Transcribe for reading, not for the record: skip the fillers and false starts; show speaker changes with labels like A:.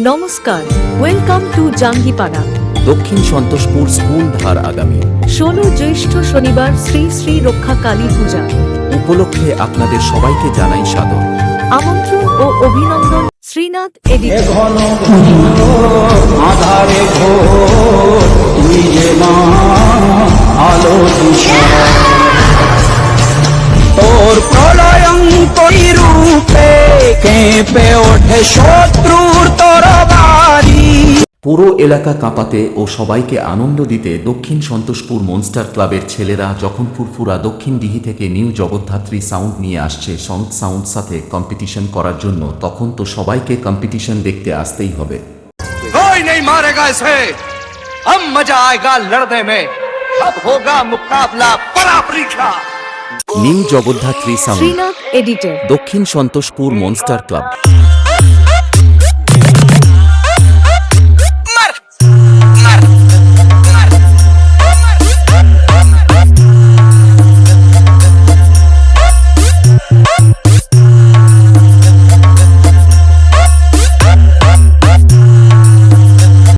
A: নমস্কার, welcome to Jangipara.
B: দক্ষিণ Santoshpur school ধার আগামী
A: 16 জ্যৈষ্ঠ শনিবার শ্রী শ্রী রক্ষা কালী পূজা
B: উপলক্ষে আপনাদের সবাইকে জানাই সাদর
A: আমন্ত্রণ ও অভিনন্দন। শ্রীনাথ এডিটর।
C: ঘন আধারে ঘোর তুই যে মা আলো দিশা তোর প্রলয়ঙ্করী রূপে কেঁপে ওঠে শত্রুর তরবারি।
B: পুরো এলাকা কাঁপাতে ও সবাইকে আনন্দ দিতে দক্ষিণ সন্তোষপুর মনস্টার ক্লাবের ছেলেরা যখন ফুরফুরা দক্ষিণ দিঘি থেকে নিউ জগদ্ধাত্রী সাউন্ড নিয়ে আসছে সাউন্ড সাথে কম্পিটিশন করার জন্য, তখন তো সবাইকে কম্পিটিশন দেখতে আসতেই হবে।
D: कोई नहीं मारेगा इसे, अब मजा आएगा लड़ने में, अब होगा मुकाबला बड़ा परीक्षा।
B: New Jagaddhatri sound,
A: Srinath editor.
B: Dakshin Santoshpur monster club.